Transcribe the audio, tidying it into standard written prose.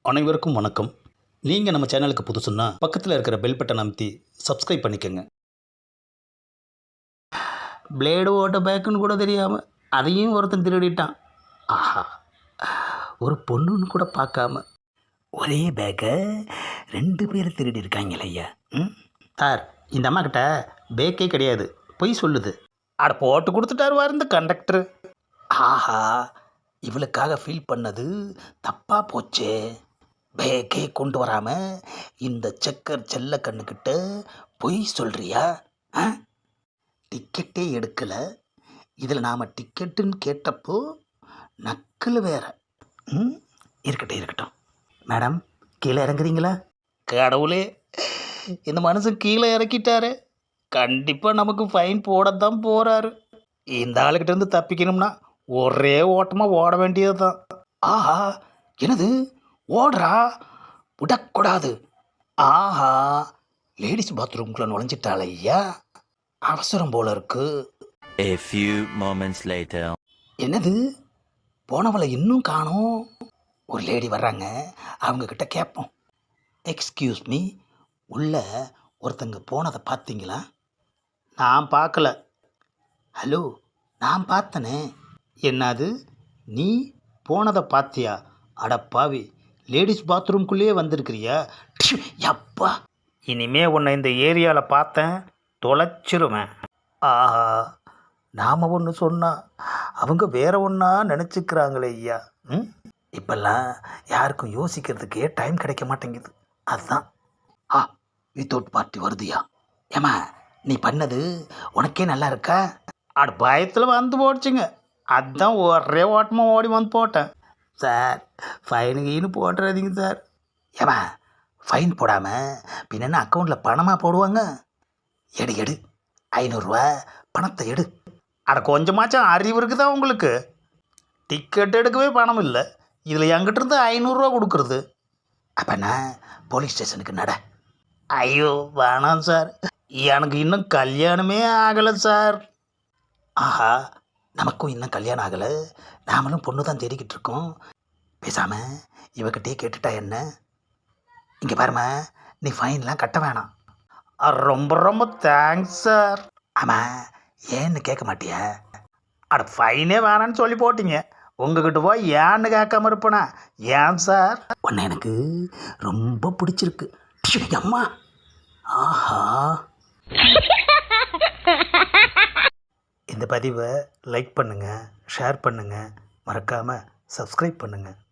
அனைவருக்கும் வணக்கம். நீங்கள் நம்ம சேனலுக்கு புதுசுன்னா பக்கத்தில் இருக்கிற பெல் பட்டன் அமைத்தி சப்ஸ்கிரைப் பண்ணிக்கோங்க. பிளேடு ஓட்ட பேக்குன்னு கூட தெரியாமல் அதையும் ஒருத்தன் திருடிட்டான். ஆஹா, ஒரு பொண்ணுன்னு கூட பார்க்காம ஒரே பேக்கை 2 பேர் திருடி இருக்காங்களே ஐயா. சார், இந்த அம்மா கிட்ட பேக்கே கிடையாது, பொய் சொல்லுது. அட போட்டு கொடுத்துட்டாரு இந்த கண்டக்டர். ஆஹா, இவளுக்காக ஃபீல் பண்ணது தப்பாக போச்சே. பேக்கே கொண்டு வராமல் இந்த செக்கர் செல்ல கண்ணுக்கிட்ட பொய் சொல்கிறியா? ஆ, டிக்கெட்டே எடுக்கலை, இதில் நாம் டிக்கெட்டுன்னு கேட்டப்போ நக்கல் வேற. இருக்கட்டும் இருக்கட்டும். மேடம், கீழே இறங்குறீங்களா? கடவுளே, இந்த மனுஷன் கீழே இறக்கிட்டாரு. கண்டிப்பாக நமக்கு ஃபைன் போடத்தான் போகிறாரு. இந்த ஆளுக்கிட்ட இருந்து தப்பிக்கணும்னா ஒரே ஓட்டமாக ஓட வேண்டியது தான். ஆஹா, என்னது ஓடுறா? விடக்கூடாது. ஆஹா, லேடிஸ் பாத்ரூம்குள்ளே நுழைஞ்சிட்டாள் ஐயா. அவசரம் போல இருக்கு. A few moments later. என்னது, போனவளை இன்னும் காணோம். ஒரு லேடி வர்றாங்க, அவங்கக்கிட்ட கேட்போம். எக்ஸ்கியூஸ் மீ, உள்ள ஒருத்தங்க போனதை பார்த்தீங்களா? நான் பார்க்கல. ஹலோ, நான் பார்த்தனே. என்னது, நீ போனதை பார்த்தியா? அடப்பாவி, லேடிஸ் பாத்ரூம்குள்ளேயே வந்திருக்கிறியா? யப்பா, இனிமே உன்னை இந்த ஏரியாவில் பார்த்தேன் தொலைச்சிருவேன். ஆஹா, நாம் ஒன்று சொன்னால் அவங்க வேற ஒன்றா நினச்சிக்கிறாங்களே ஐயா. இப்பெல்லாம் யாருக்கும் யோசிக்கிறதுக்கே டைம் கிடைக்க மாட்டேங்குது. அதுதான். வித்தவுட் பார்ட்டி வருதுயா. ஏமா, நீ பண்ணது உனக்கே நல்லா இருக்கா? அட பயத்தில் வந்து போடுச்சுங்க, அதுதான் ஒரே ஓட்டமாக ஓடி வந்து போட்டேன். சார், ஃபைனுக்கு போட்டுறாதீங்க சார். ஏமா, ஃபைன் போடாமல் பின்ன அக்கௌண்ட்டில் பணமாக போடுவாங்க? எடு எடு, 500 ரூபா பணத்தை எடு. அட கொஞ்சமாச்சும் அறிவு இருக்குதா உங்களுக்கு? டிக்கெட் எடுக்கவே பணம் இல்லை, இதில் என்கிட்ட இருந்து 500 ரூபா கொடுக்குறது. அப்போ நான் போலீஸ் ஸ்டேஷனுக்கு நட. ஐயோ வேணாம் சார், எனக்கு இன்னும் கல்யாணமே ஆகலை சார். ஆஹா, நமக்கும் இன்னும் கல்யாணம் ஆகலை, நாமளும் பொண்ணு தான் தேடிக்கிட்டு இருக்கோம். பேசாமல் இவகிட்டே கேட்டுட்டா என்ன? இங்கே பாருமா, நீ ஃபைன்லாம் கட்ட வேணாம். ரொம்ப ரொம்ப தேங்க்ஸ் சார். ஆமாம், ஏன்னு கேட்க மாட்டியா? அட ஃபைனே வேணான்னு சொல்லி போட்டீங்க, உங்ககிட்ட போய் ஏன்னு கேட்காம இருப்பேனா? ஏன் சார்? உன்னை எனக்கு ரொம்ப பிடிச்சிருக்கு. அம்மா, ஆஹா. இந்த பதிவை லைக் பண்ணுங்கள், ஷேர் பண்ணுங்கள், மறக்காமல் சப்ஸ்கிரைப் பண்ணுங்கள்.